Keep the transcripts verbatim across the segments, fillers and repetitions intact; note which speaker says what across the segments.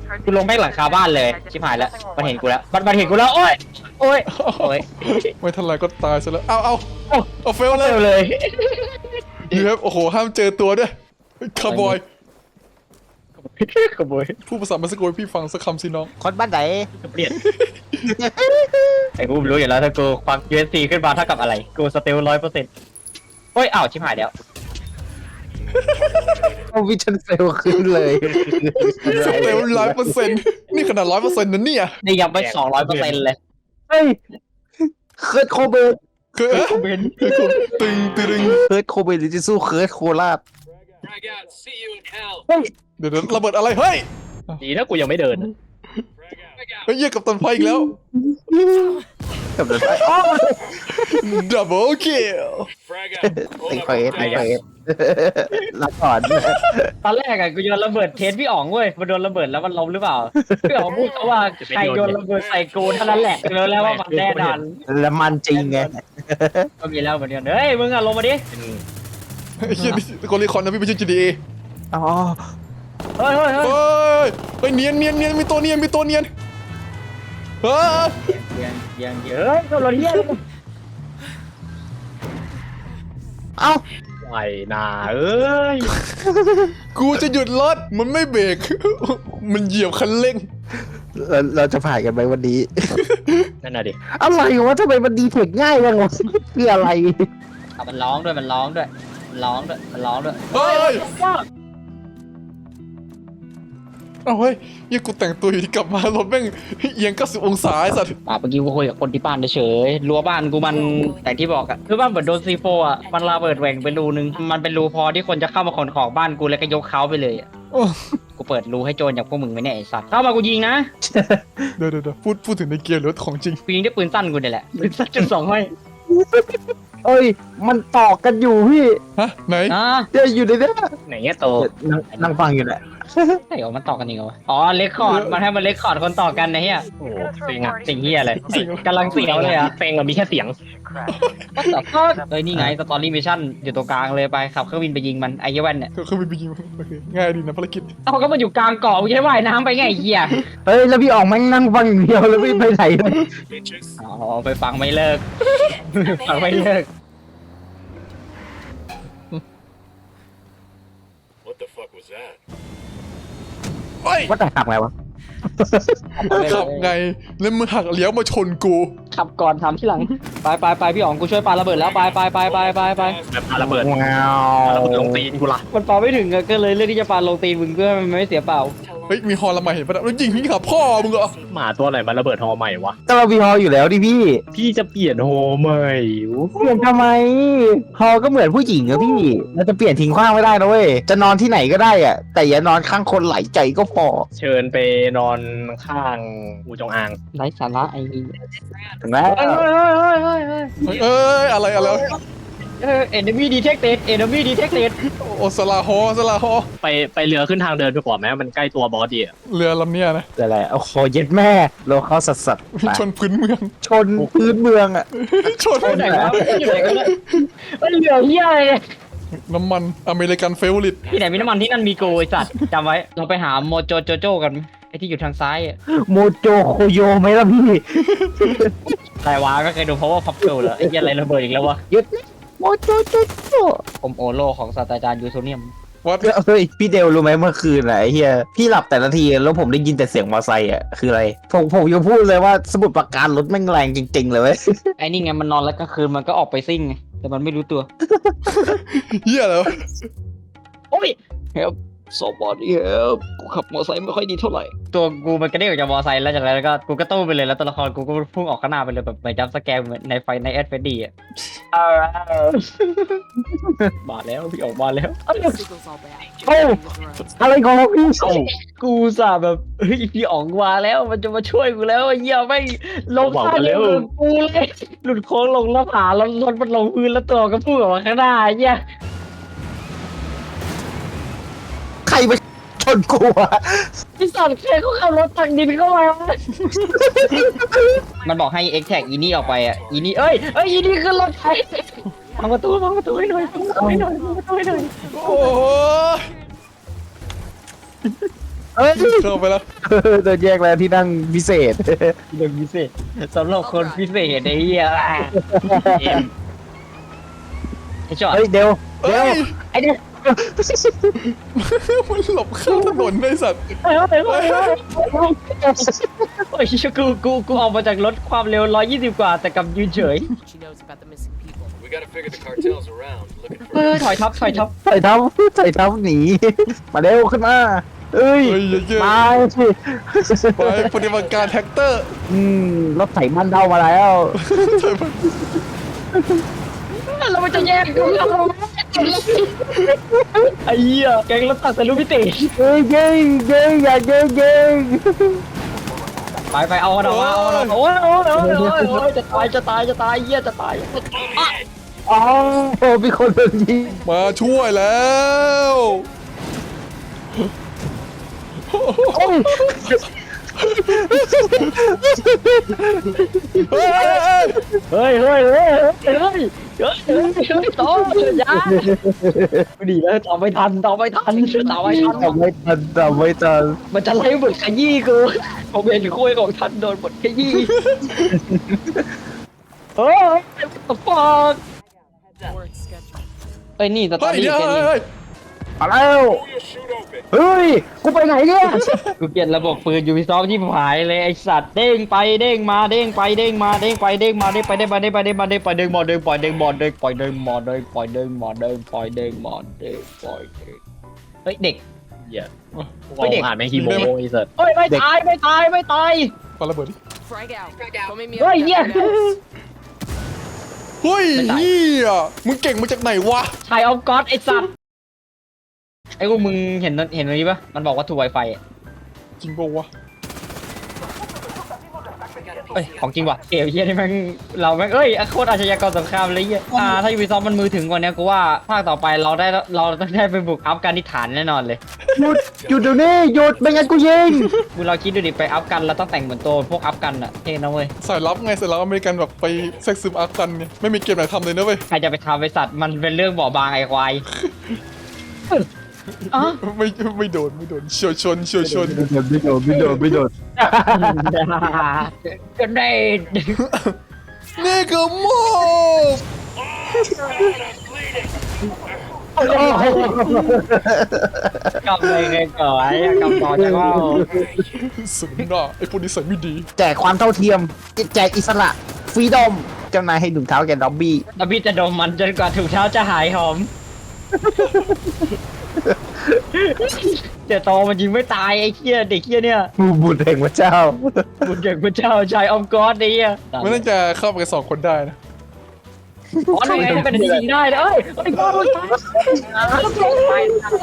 Speaker 1: กูลงแม่งหลังคาบ้านเลยชิบหายแล้วมันเห็นกูแล้วมันมันเห็นกูแล้วโอ้ยโอ้ยโอ้ย
Speaker 2: ไม่ทันไรก็ตายซะแล้วเอาเอาเอาเฟลเล
Speaker 1: เร็
Speaker 2: ยว
Speaker 1: เลย
Speaker 2: นี่ครับโอ้โหห้ามเจอตัวด้วยคาร์บอย
Speaker 1: ขโมย
Speaker 2: ผู้ภาษาเม็กซิโกให้พี่ฟังสักคำสิน้อง
Speaker 3: คนบ้านไหน
Speaker 1: เปลี่ยนไอ้กูรู้อยู่แล้วถ้ากูควัก ยู เอส ซี ขึ้นมาเท่ากับอะไรกูสเตลร้อยเปอร์เซ็นต์โอ้ยอ้าวชิบหายแล้ว
Speaker 3: เอาวิชั่นเซลขึ้นเลย
Speaker 2: สเตลร้อยเปอร์เซ็นต์นี่ขนาดร้อยเปอร์เซ็นต์นั่นเนี่ย
Speaker 1: นี่ยังไม่สองร้อยเปอร์เซ็นต์เลย
Speaker 3: เฮ้ยเคิร์ดโคเบน
Speaker 2: คือเอ๊ะคือคุณตึงตึง
Speaker 3: เคิร์ดโคเบนหรือจะสู้เคิร์ดโคราช
Speaker 2: เดี๋ยวเดี๋ยวระเบิดอะไรเฮ้ย
Speaker 1: ดีนะกูยังไม่เดิน
Speaker 2: เฮ้ยเยี่ยกับตันไฟอีกแล้ว
Speaker 3: กับเดินไป
Speaker 2: ดับเบิลคิล
Speaker 3: ติงเฟสติงเฟสรับก่อน
Speaker 1: ตอนแรกอะกูโยนระเบิดเทสพี่อ๋องเว้ยมันโดนระเบิดแล้วมันล้มหรือเปล่าพี่อ๋องพูดเขาว่าใครโยนระเบิดใส่กูเท่านั้นแหละรู้แล้วว่ามันแน่นอน
Speaker 3: แล้วมันจริงไง
Speaker 1: ก็มีแล้วเหมือนกันเฮ้ยมึงอะลงมาดิ
Speaker 2: ไอ้เหี้ยนี่โกลิคอนนะพี่ไม่ใช่ จี ดี เอ
Speaker 3: อ๋อ
Speaker 1: เฮ้ยเฮ้ยเฮ้ย
Speaker 2: เฮ้ยเฮ้ยเนียนเนียนเนียนมีตัวเนียนมีตัวเนียนเฮ้ย
Speaker 1: ยังยังเยอะตัวรถเฮีย
Speaker 3: เอ้า
Speaker 1: ไหวนาเอ้ย
Speaker 2: กูจะหยุดรถมันไม่เบรก มันเหยียบคันเร่ง
Speaker 3: เราเราจะผ่านกันไหมวันนี้
Speaker 1: นั่นน่ะดิ
Speaker 3: อะไรวะทำไมมันดีเทคง่ายจังวะเพื่ออะไร
Speaker 1: เอามันร้องด้วยมันร้องด้วยมันร้องด้วยมันร้องด้วย
Speaker 2: เฮ้ยเอาเฮ้ยยี่กูแต่งตัวอยู่ที่กลับมารถแม่งเอียงเก้าสิบองศาไอ้สัตว์
Speaker 1: ป่าเมื่อกี้กูคุยกับคนที่บ้านเฉยๆรั้วบ้านกูมันแต่ที่บอกอะคือบ้านเหมือนโดนซีโฟอะมันระเบิดแหว่งไปรูนึงมันเป็นรูพอที่คนจะเข้ามาขนของบ้านกูแล้วก็ยกเขาไปเลยอะ
Speaker 2: โอ้
Speaker 1: กูเปิดรูให้โจรอย่างพวกมึงไหมเนี่ยไอ้สัตว์เข้ามากูยิงนะ
Speaker 2: เดี๋ยวเดี๋ยวเดี๋ยวพูดพูดถึงในเกียร์รถของจริง
Speaker 1: กูยิงด้วยปืนสั้นกูเนี่ยแหละปืนสั้นจุดสองห้อย
Speaker 3: เอ้ย มันต่อกันอยู่พี่
Speaker 2: ฮะไหน
Speaker 1: อ่า
Speaker 3: เดี๋ยวอยู่ในเนี้ย
Speaker 1: ไหนเงี้ยโต
Speaker 3: นั่งนั่งฟังอยู่แหละ
Speaker 1: ใช่เหรอมันต่อกันจริงเหรอวะอ๋อเลคคอร์ดมันให้มันเลคคอร์ดคนต่อกันนะเฮียโอ้เซ็งอะเซ็งเฮียเลยกำลังเสียวเลยอะเซ็งอะมีแค่เสียงก็แต่ก็เอ้ยนี่ไงสตอรี่มิชชั่นอยู่ตรงกลางเลยไปขับเครื่องบินไปยิงมันไอ้เหี้ยแว่นเนี่ย
Speaker 2: เขาไปยิงโอเคง่ายดีนะภารกิจ
Speaker 1: เอ้าก็มาอยู่กลางเกาะกูจะให้ว่ายน้ำไปไงไอ้เหี้ย
Speaker 3: เฮ้ย แล้วพี่ออกแม่งนั่งฟังอย่างเดียวแล้วไม่ไปไหนเลย
Speaker 1: อ๋อไปฟังไม่เลิก ฟังไม่เลิก
Speaker 4: What the fuck was that?
Speaker 2: เฮ้ย
Speaker 3: ว่าแต่ขับไงวะ
Speaker 2: ขับไงแล้วมึงหักเลี้ยวมาชนกู
Speaker 1: ขับก่อนทำที่หลังไปไปไปพี่อ๋องกูช่วยปาระเบิดแล้วไปไปไปไปไปไป
Speaker 4: แบบปาระเบิด
Speaker 3: ว้าว
Speaker 4: ระเบิดลงตีนกูละ
Speaker 1: มันปาไม่ถึงอะก็เลยเลือกที่จะปาลงตีนมึงเพื่อให้มันไม่เสียเปล่า
Speaker 2: เฮ้ยมีฮอลละมาเห็นปะแล้วยิงพี่ขับพ่อมึงเหรอ
Speaker 4: หมาตัวไหนมาระเบิดฮอใหม่วะ
Speaker 3: แต่เรามีฮออยู่แล้วดิพี่
Speaker 4: พี่จะเปลี่ยนฮอใหม่
Speaker 3: เปลี่ยนทำไม ฮอก็เหมือนผู้หญิงอะพี่ เราจะเปลี่ยนทิ้งขว้างไม่ได้นะเว้ย จะนอนที่ไหนก็ได้อะแต่อย่านอนข้างคนไหลใจก็พอ
Speaker 4: เชิญไปนอนข้างอูจงอาง
Speaker 1: ไร้สาระไอ้
Speaker 3: ถึงไหม
Speaker 1: เฮ้ยเฮ้ยเฮ้ยเฮ้ยเฮ้ย
Speaker 2: เอ้ยอะไรอะไร
Speaker 1: เฮ้ย enemy detected enemy detected
Speaker 2: โอสลาฮอสลาฮอ
Speaker 4: ไปไปเรือขึ้นทางเดินไปก่อนไหมมันใกล้ตัวบอสดีอะ
Speaker 2: เรือลำเนี้ยนะ
Speaker 3: อะไรโอ้โหเย็ดแม่โลเข้าสัสสัสๆไป
Speaker 2: ชนพื้นเมือง
Speaker 3: ชนพื้นเมืองอะ
Speaker 2: ชน
Speaker 1: ไหนวะอยู่ไหนกันเนี่ยเฮ้ยเหลือเฮียอะไรเนี่ย
Speaker 2: น้ำมันอเมริกันเฟเวอริต
Speaker 1: ที่ไหนมีน้ำมันที่นั่นมีโกไอสัตว์จำไว้เราไปหาโมโจโจโจกันไอที่อยู่ทางซ้ายอะ
Speaker 3: โมโจโคโยไหมล่ะพี่
Speaker 1: อะไรวะก็เคยดูเพราะว่าพับเกิลเหรอไอ้เหี้ยอะไรระเบิดอีกแล้ววะ
Speaker 3: หยุดนะโมโจโจโจ
Speaker 1: ผมโอโลของศาสตราจารย์ยูโซเนียม
Speaker 2: วัด
Speaker 3: เฮ้ยพี่เดลรู้ไหมเมื่อคืนอะไอ้เฮียพี่หลับแต่ละทีแล้วผมได้ยินแต่เสียงมอเตอร์ไซค์อะคืออะไรผมผมยังพูดเลยว่าสมุดประการรถแม่งแรงจริงๆเลยเว้ย
Speaker 1: ไอ้นี่ไงมันนอนแล้วกลางคืนมันก็ออกไปซิ่งไงแต่มันไม่รู้ตัว
Speaker 2: เหี้ยแล้ว
Speaker 1: โอ้ยเฮลสอบอดี้เฮลกูขับมอเตอร์ไซค์ไม่ค่อยดีเท่าไหร่ตัวกูมันกระเด้งออกจากมอเตอร์ไซค์แล้วจากนั้นก็กูก็ตู้ไปเลยแล้วตัวละครกูก็พุ่งออกข้างหน้าไปเลยแบบเหมือนจัมป์สแกร์เหมือนในไฟในแอดเฟดดี้อะมาแล้วพี่ออกมาแล้ว
Speaker 3: โอ้อะไรของพี่
Speaker 1: กูสาแบบเฮ้ยพี่อ๋องมาแล้วมันจะมาช่วยกูแล้วไอ้เหี้ยไม่ลงท่าเร็วกูเลยหลุดโค้งลงแล้วผาแล้วรถมันลงพื้นแล้วตัวก็พุ่งออกมาข้างหน้าไอ้เหี้ย
Speaker 3: ใครไปชนกูอะ
Speaker 1: พี่สอนเคยเขาขับรถตักดินเข้ามามันบอกให้เอ็กแท็กอีนี่ออกไปอ่ะอีนี่เอ้ยเอ้ยอีนี่ขึ้นรถไฟพังประตูพังประตูให้หน่อยพังประตูให้หน่อยพังประตูให้หน่อย
Speaker 2: โอ้ย
Speaker 3: เอ้ย
Speaker 2: เข้าไปแล้ว
Speaker 3: โดนแยกแล้วที่นั่งพิเศษ
Speaker 1: เรื่องพิเศษสำหรับคนพิเศษไอ้เหี้ยไอ้จอด
Speaker 3: เฮ้ยเดี๋ยวเดี๋ยว
Speaker 2: เอ้ย
Speaker 1: ไอ้เนี่ย
Speaker 2: มันหลบข้างถนนไอ้สัตว์
Speaker 1: เฮ้ยเฮ้ยเฮ้ยเฮ้ยโอ้ยกูกูกูออกมาจากรถความเร็วร้อยยี่สิบกว่าแต่กลับยืนเฉย
Speaker 5: She knows about the missing people.
Speaker 6: We gotta figure the cartels around. Looking
Speaker 1: เฮ้
Speaker 6: for
Speaker 1: ยถอยทับถอยทับ
Speaker 3: ใส่เท้าใส่เท้าหนี มาเร็วขึ้นมา เอ้ย
Speaker 2: เฮ้ยเยอะ
Speaker 3: มาสิ
Speaker 2: ๆไปปฏิบัติการแท็กเตอร์
Speaker 3: อืมรถไถมันเท่ามาแล้ว
Speaker 1: แล้วมันจะแยกกูไอ้เหี้ยแกงรถตักแต่ลูกพิเศษ
Speaker 3: เอ้ยเย้งเย้งอย่าเย้งเย้ง
Speaker 1: ไปไปเอาเอาเอาเอาโอ้ยโอ้ยโอ้ยโอ้ยโอ้ยจะตายจะตายจะตายเหี้ยจะตาย
Speaker 3: อ๋อโอ้มีคนโดนยิง
Speaker 2: มาช่วยแล้ว
Speaker 3: โอ้ย
Speaker 2: เฮ้ยเฮ้ย
Speaker 1: เฮ้ยเฮ้ยเฮ้ยเฮ้ยเฮ้ยเฮ้ยเฮ้ยต่อยาดีแล้วต่อไม่ทันต่อไม่ทันต่อไม่ทัน
Speaker 3: ทำไม่ทันทำไม่ทัน
Speaker 1: มันจะไล่บทขยี้กูผมเห็นคุยของทันโดนบทขยี้เฮ้ยตบปอก
Speaker 5: Work schedule.
Speaker 1: เอ้ยนี่สตอ
Speaker 2: เฮ้ย
Speaker 1: รี่
Speaker 2: เดี๋ยว
Speaker 1: แค่นี้
Speaker 2: เฮ้ย
Speaker 3: มาแล้ว
Speaker 6: shoot open.
Speaker 3: เฮ้ยกูไปไหนเนี่ย
Speaker 1: กูเปลี่ยนระบบปืนยูพีซอฟที่หายเลยไอสัตว์เด้งไปเด้งมาเด้งไปเด้งมาเด้งไปเด้งมาเด้งไปเด้งมาเด้งไปเด้งมาเด้งไปเด้งมาเด้งปล่อยเด้งหมดเด้งปล่อยเด้งหมดเด้งปล่อยเด้งหมดเด้งปล่อยเด้งหมดเด้งปล่อยเด้งเฮ้ยเด็ก
Speaker 4: เหี้ย
Speaker 1: ไม่
Speaker 4: ม
Speaker 1: เด็
Speaker 4: อก งผ่านแม่งฮีโมไอ้สัตว์
Speaker 1: เฮ้ยไม่ตายไม่ตายไม่ตาย
Speaker 2: ปาระเบิดดิ
Speaker 5: Frag out. Don't make me
Speaker 1: เฮ้ย
Speaker 5: upset,
Speaker 1: เหี้ย
Speaker 5: guys.
Speaker 2: เฮ้ย
Speaker 1: ไม่ตาย
Speaker 2: เฮียมึงเก่งมาจากไหนวะ
Speaker 1: ชายออฟก็อดไอสัตว์ไอ้พวกมึงเห็นเห็นตรงนี้ปะมันบอกว่าถูกไวไฟ
Speaker 2: จริงป่าวะ
Speaker 1: เอ้ยของจริงว่ะเอ๋เฮียนี่แม่งเราแม่งเอ้ยโคตรอาชญากรสงครามเลยเฮียอ่าถ้ายูบีซอฟมันมือถึงกว่านี้กูว่าภาคต่อไปเราได้เราต้องได้ไปบุกอัฟกานิสถานแน่นอนเลย
Speaker 3: หยุดหยุดเดี๋ยวนี้หยุดไม่งั้นกูยิง
Speaker 1: มึงเราคิดดูดิไปอัฟกันเราต้องแต่งเหมือนตัวพวกอัฟกันอะเท่นะเว้ย
Speaker 2: สายลับไงสายลับอเมริกันแบบไปแทรกซึมอาร์กันเนี่ยไม่มีเกมไหนทำเลยนะเว้ย
Speaker 1: ใครจะไปทำไปสัตว์มันเป็นเรื่องบ่อบางไอ้ควายอ๋อ
Speaker 2: ไม่ไม่โดนไม่โดนเฉียวชนเฉียวชน
Speaker 3: ไม่โดนไม่โดนไม่โดน
Speaker 1: กันได้
Speaker 2: นี่คือโมบ
Speaker 1: กำเลยไงก่อนไอ้กำต่อจากว่า
Speaker 2: สมน่าไอ้พวกนี้ใส่ไม่ดี
Speaker 3: แจกความเท่าเทียมแจกอิสระฟรีดอมเจ้านายให้ถุงเท้าแกด็อบบี้
Speaker 1: แล้วพี่จะดมมันจนกว่าถุงเท้าจะหายหอมเดี๋ยวโตมันยิงไม่ตายไอ้เหี้ยเด็กเหี้ยเนี่ย
Speaker 3: มูบุญแห่งพระเจ้า
Speaker 1: บุญเด็กพระเจ้าชายออมกอดไอ้เหี้ย
Speaker 2: ไม่น่าจะเข้าไปกันสองคนได้นะ
Speaker 1: อ๋อนี่ไงเป็นยิงได้เลยเอ้ยไอ้บอลมันตาย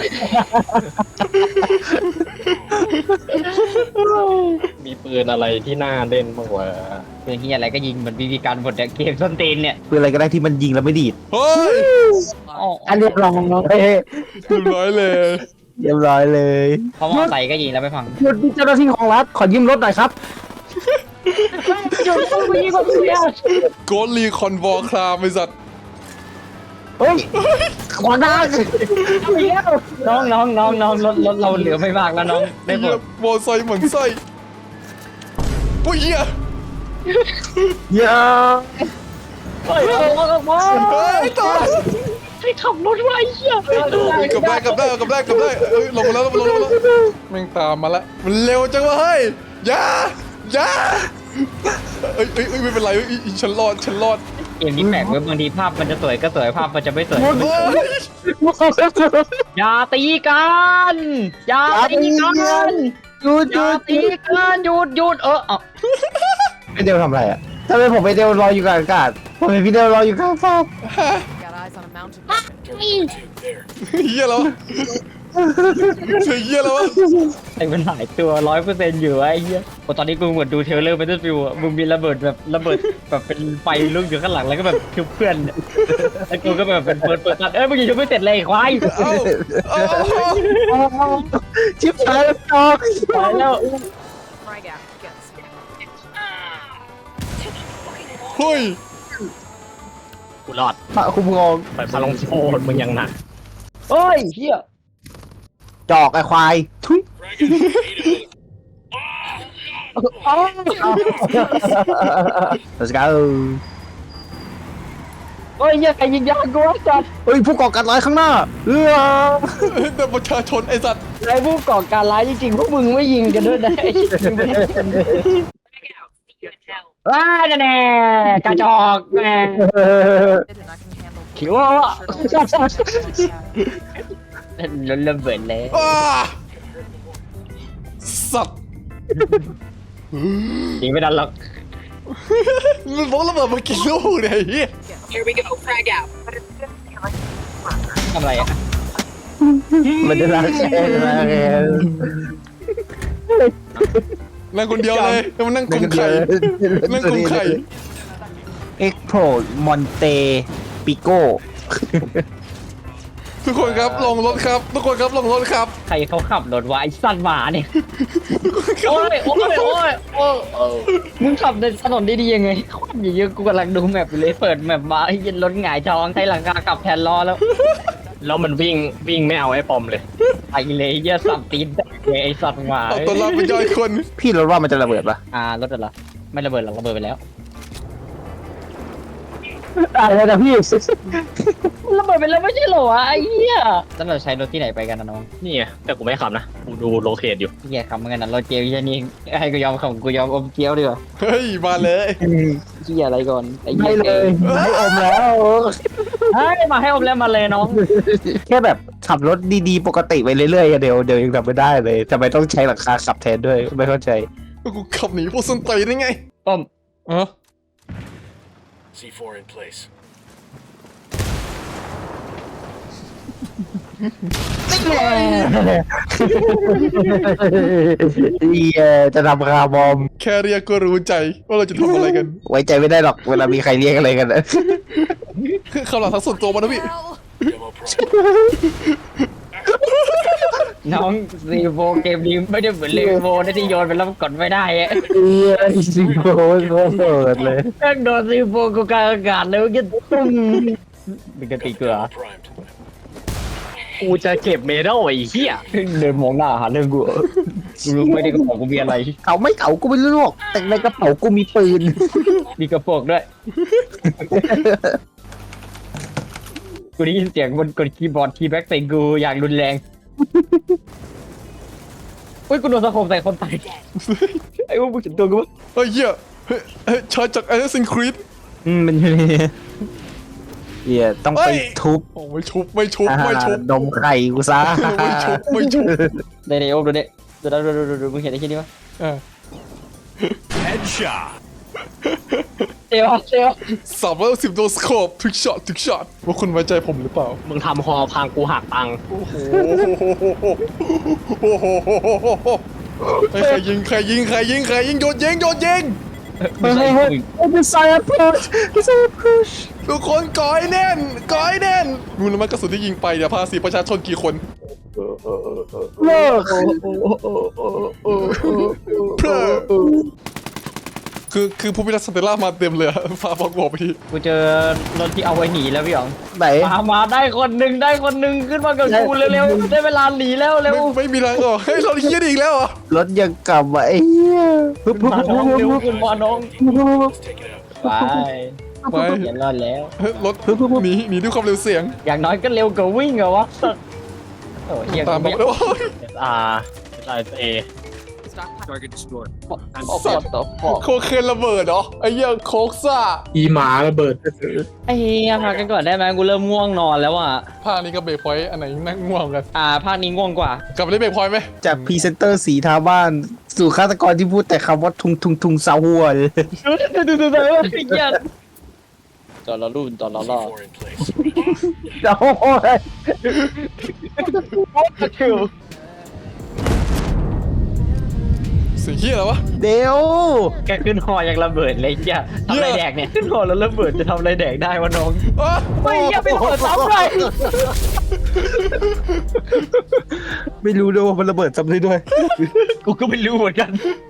Speaker 4: มีปืนอะไรที่น่าเล่นบ้างวะ
Speaker 1: เรื่องเหี้ยอะไรก็ยิงเหมือนบีบีกันหมดเนี่ยเกมส้นตีนเนี่ย
Speaker 3: คืออะไรก็ได้ที่มันยิงแล้วไม่ดีด
Speaker 2: เฮ้ย
Speaker 1: อ๋อ
Speaker 3: อันเรียบร้อยเฮ้ย
Speaker 2: เรียบร้อยเลย
Speaker 3: เรียบร้อยเลย
Speaker 1: เพราะว่าใส่ก็ยิงแล้วไม่ฟัง
Speaker 3: หยุดเจ้าหน้าที่ของรัฐขอยืมรถหน่อยครับ
Speaker 1: หยุดต้องยิงคนเดียว
Speaker 2: โกดลีคอนวอร์คลามไอ้สัตว์
Speaker 3: เฮ้ยขวางหน้า
Speaker 1: น้องน้องน้องน้องรถรถเราเหลือไม่มากแล้วน้องได้หม
Speaker 2: เหี้ย
Speaker 1: ด
Speaker 2: โมอไซค์เหมือนไส้ปุ้ยเหี้ย
Speaker 3: เยอะ
Speaker 1: เฮ้ยเอาเอาเอา
Speaker 2: เฮ้ยตาย
Speaker 1: ให้ขับรถไว้เหี้ย
Speaker 2: กลับได้กลับได้กลับได้กลับได้เอ้ยลงมาแล้วลงมาแล้วลงมาแล้วแม่งตามมาละมันเร็วจังวะเฮ้ยอย่าอย่าเอ้ยเอ้ยเอ้ยไม่เป็นไรเอ้ยเอ้ยฉันรอดฉันรอด
Speaker 1: เกมนี้แปลกเว้ยบางทีภาพมันจะสวยก็สวยภาพมันจะไม่สวย
Speaker 2: เฮ้ย
Speaker 1: อย่าตีกันอย่าตีกัน
Speaker 3: หยุดห
Speaker 1: อย่า
Speaker 3: ยุด
Speaker 1: ตีกันหยุดหยุดเออเอา
Speaker 3: พี่เดวทำอะไรอ่ะทำไมผมไปเดวรออยู่กลางอากาศผมเห็นพี่เดวรออยู่กลางฟ้า
Speaker 5: Got eyes on a mountain weapon.
Speaker 6: there.
Speaker 2: เหี้ยแล้วเสียเหี้ยแล้ววะ
Speaker 1: ไอ้มันหลายตัวร้อยเปอร์เซ็นต์อยู่ไอ้เหี้ยโอ้ตอนนี้กูเหมือนดูเทรลเลอร์เบทเทิลฟิลด์อะมึงมีระเบิดแบบระเบิดแบบเป็นไฟลุกอยู่ข้างหลังแล้วก็แบบชุบเพื่อนเนี่ยแล้วกูก็แบบเป็นเปิดเปิดตัดเอ้ยมึงยังชุบไม่เสร็จเลยไอ้ควาย
Speaker 2: เอ้าเอ้า
Speaker 3: ชิบหายแล้วจอก
Speaker 1: ตายแล้ว
Speaker 5: Frag out. Get some.
Speaker 2: เฮ้ย
Speaker 4: กูรอด
Speaker 3: พระคุ้มครอง
Speaker 4: ไปพาลงโทษมึงยังหนัก
Speaker 1: เฮ้ยเหี้ย
Speaker 3: จจอกไอ้ควายทุย
Speaker 6: Frag out. Eight of it.
Speaker 3: let's go
Speaker 1: โอ้ยเหี้ยใครยิงยางกูวะจัด
Speaker 3: เฮ้ยผู้ก่อการร้ายข้างหน้าเออ
Speaker 2: แต่ประชาชนไอ้สัตว์
Speaker 1: ไอ้ผู้ก่อการร้ายจริงๆพวกมึงไม่ยิงกันด้วยนะไอ้เหี้ยมึงไม่ได้เป็นว้าแน่ๆกระจอกแม่
Speaker 5: And I can handle
Speaker 1: คิดว่า
Speaker 5: Sure don't-
Speaker 1: ล้นระเบิดเลย
Speaker 2: อ้าสัตว์
Speaker 1: ยิงไม่ดันหรอก
Speaker 2: มันบอกระเบิดมากี่ลูกเนี่ยไอ้เหี้ย
Speaker 5: Here we go. Frag out.
Speaker 1: ทำอะไรอ่ะ
Speaker 3: มันจะรักแค่รักแค่
Speaker 2: นั่งคนเดียวเลยแล้วมันนั่งกุมไข่นั่งกุมไข่
Speaker 3: เอ็กโพรมอนเตปิโก้
Speaker 2: ทุกคนครับลงรถครับ ทุกคนครับลงรถครับ
Speaker 1: ใครเขาขับรถวะไอ้สัตว์หมาเนี่ยโอ้ยโอ้ยโอ้ยโอ้ยโอ้ยมึงขับในถนนได้ดียังไงควันเยอะๆกูกำลังดูแมพอยู่เลยเปิดแมพมาไอ้เหี้ย็นรถหงายท้องใช้หลังคากลับแทนล้อแล้ว
Speaker 4: แล้วมันวิ่งวิ่งไม่เอาไอ้ปอมเลย
Speaker 1: ไอ้เลยเหี้ยสับตีนแตกเลยไอ้สัตว์หมา
Speaker 2: เอาตัวรอดเป็นย่อยคน
Speaker 3: พี่รถว่ามันจะระเบิดปะ
Speaker 1: อ่ารถอะไรไม่ระเบิดหรอกระเบิดไปแล้ว
Speaker 3: อะไรนะพี่
Speaker 1: ระเบิดไปแล้วไม่ใช่เหรอวะไอ้เหี้ยแล้วเราใช้รถที่ไหนไปกันนะน้อง
Speaker 4: นี่ไงแต่กูไม่ขับนะกูดูโลเคทอยู่
Speaker 1: เหี้ยขับเหมือนกันนะรถเจียวเหี้ยนี่ให้กูยอมของกูยอมอมเจียวดีกว่า
Speaker 2: เฮ้ยมาเลย
Speaker 1: เหี้ยอะไรก่อนไอ้เหี้
Speaker 3: ไม่
Speaker 1: ย
Speaker 3: เลยไม่อมแล้ว
Speaker 1: เฮ้ยมาให้อมแล้วมาเลยน้อง
Speaker 3: แค่แบบขับรถดีๆปกติไปเรื่อยๆเดี๋ยวเดี๋ยวยังทำไม่ได้เลยทำไมต้องใช้หลังคาขับแทนด้วยไม่เข้าใจ
Speaker 2: กูขับหนีพวกส้นตีนได้ไง
Speaker 1: ป้อม
Speaker 2: อ๋อ
Speaker 6: C four in place.
Speaker 3: เอียจะทำคาร์บอม
Speaker 2: แค่เรียกก็รู้ใจว่าเราจะทำอะไรกัน
Speaker 3: ไว้ใจไม่ได้หรอกเวลามีใครเรียกอะไรกันนะ
Speaker 2: คือคำหลังทั้งส่วนตัวมานะพี่
Speaker 6: Demo problem.
Speaker 1: น้องซีโฟเกมนี้ไม่ได้เหมือนเลโวนะที่โยนไปแล้วมันกดไม่ได้อะ
Speaker 3: เอียสิงโคตรเปิดเลย
Speaker 1: แม่งโดนซีโฟกูกลางอากาศเลยเมื่อกี้ตุ้มเป็นกระติกเกลือ
Speaker 6: Primed.
Speaker 4: กูจะเก็บเมดัลไอ้เหี้ย
Speaker 1: เดินมองหน้าหาเรื่องกูกูรู้ไม่ได้กระเป๋ากูมีอะไร
Speaker 3: เขาไม่เขากูไม่รู้หรอกแต่ในกระเป๋ากูมีปืน
Speaker 1: มีกระโปรงด้วยกูได้ยินเสียงบนกดคีย์บอร์ดคีย์แบ็กใส่กูอย่างรุนแรงอุ้ยกูโดนสะโคมใส่คนตายไอ้พวกมึงเห็นตัวกูปะ
Speaker 2: เฮ้ยเหี้ยเฮ้ยเฮ้ยชายจาก Assassin's Creed
Speaker 3: อืมมันอยู่ในนี้เอียต้องไป
Speaker 2: เอ้ย
Speaker 3: ทุบ
Speaker 2: โอ้ไม่ชุบไม่ชุบไม่ชุบ
Speaker 3: อ่าดมไข่กูซะ
Speaker 2: ไม่ชุบไม่ชุบ
Speaker 1: ได้ในโอ้ดูเนี่ยดูดูดูดูดูมึงเห็นไอ้ที่นี่ปะ
Speaker 2: อ่า
Speaker 6: Headshot.
Speaker 1: เซลเซล
Speaker 2: สามร้อยสิบโดสโคปทุกช็อตทุกช็อตว่าคุณไว้ใจผมหรือเปล่า
Speaker 4: มึงทำฮอพังกูหักตังค์
Speaker 2: โอ้โหโอ้โหเฮ้ยใครยิงใครยิงใครยิงใครยิงโยนยิงโยนยิง
Speaker 1: ไม่ใช่มึง
Speaker 3: โอ้เป็นไซอัพพุชเป็นไซอัพพุช
Speaker 2: ทุกคนก่อยแน่นก่อยแน่นรู้แล้วมั้ยกระสุนที่ยิงไปเนี่ยภาษีประชาชนกี่คน
Speaker 3: เลิก
Speaker 2: เพื่อคือคือผู้พิทักษ์สเตลล่ามาเต็มเลยอะฟ้าบอกบอกไปที
Speaker 1: กูเจอรถที่เอาไว้หนีแล้วพี่อ๋อง
Speaker 3: ไหน
Speaker 1: มามาได้คนหนึ่งได้คนหนึ่งขึ้นมากับกูเร็วๆได้เวลาหนีแล้วเร็ว
Speaker 2: ไม่ไม่มีทางออกเฮ้ยเราเฮี้ยนอีกแล้วเหรอ
Speaker 3: รถยังกลับมาไอ้เหี้ยปึ๊บปึ๊บ
Speaker 1: มา
Speaker 3: ปึ๊บ
Speaker 1: น้อง
Speaker 3: ปึ๊บ
Speaker 1: เร็ว
Speaker 3: ปึ๊บ
Speaker 1: ขึ้นมาน้อง
Speaker 6: Let's take it out.
Speaker 1: ไป
Speaker 2: ไป
Speaker 1: เดี๋ยวรอดแล้ว
Speaker 2: เฮ้ยรถหนีหนีด้วยความเร็วเสียง
Speaker 1: อย่างน้อยก็เร็วกว่าวิ่งเหรอวะโอ้ยเฮีย
Speaker 2: ตาม
Speaker 1: กู
Speaker 2: มา
Speaker 1: ไม่
Speaker 2: โอ้ย
Speaker 4: อ่าไอเอ
Speaker 5: Stockpile.
Speaker 6: Target destroyed.
Speaker 1: ออกปอดต่อปอด
Speaker 2: โคเคนระเบิดเหรอไอ้เหี้ยโคกซ่า
Speaker 4: อีหมาระเบิด
Speaker 1: ไอ้เฮียพักกันก่อนได้ไหมกูเริ่มง่วงนอนแล้วอ่ะ
Speaker 2: ภาคนี้ก็เบรกพอยต์อันไหนนั่งง่วงกัน
Speaker 1: อ่าภาคนี้ง่วงกว่าก
Speaker 2: ลับไปเล่นเบรกพอยต์ไหม
Speaker 3: จากพรีเซนเตอร์สีทาบ้าน สู่ฆาตกรที่พูดแต่คำว่าทุงทุงทุงซาหัวเลย
Speaker 1: ดูดูดูดูดูไอ้เฮียจอดรอรุ่นจอดรอ
Speaker 6: C
Speaker 1: รอ
Speaker 6: four in place.
Speaker 3: โอ้ย
Speaker 2: เสียงเฮี้ยอะไรวะ
Speaker 3: เดี๋ยว
Speaker 1: แกขึ้นหอยังระเบิดเลยเฮียทำอะไรแดกเนี่ยขึ้นหอแล้วระเบิดจะทำอะไรแดกได้วะน้อง
Speaker 2: อ๋อ
Speaker 1: ไม่เฮียไม่ระเบิดซ้ำเลย
Speaker 3: ไม่รู้ด้วยว่ามันระเบิดจำได้ด้วย
Speaker 1: กูก็ไม่รู้เหมือนกัน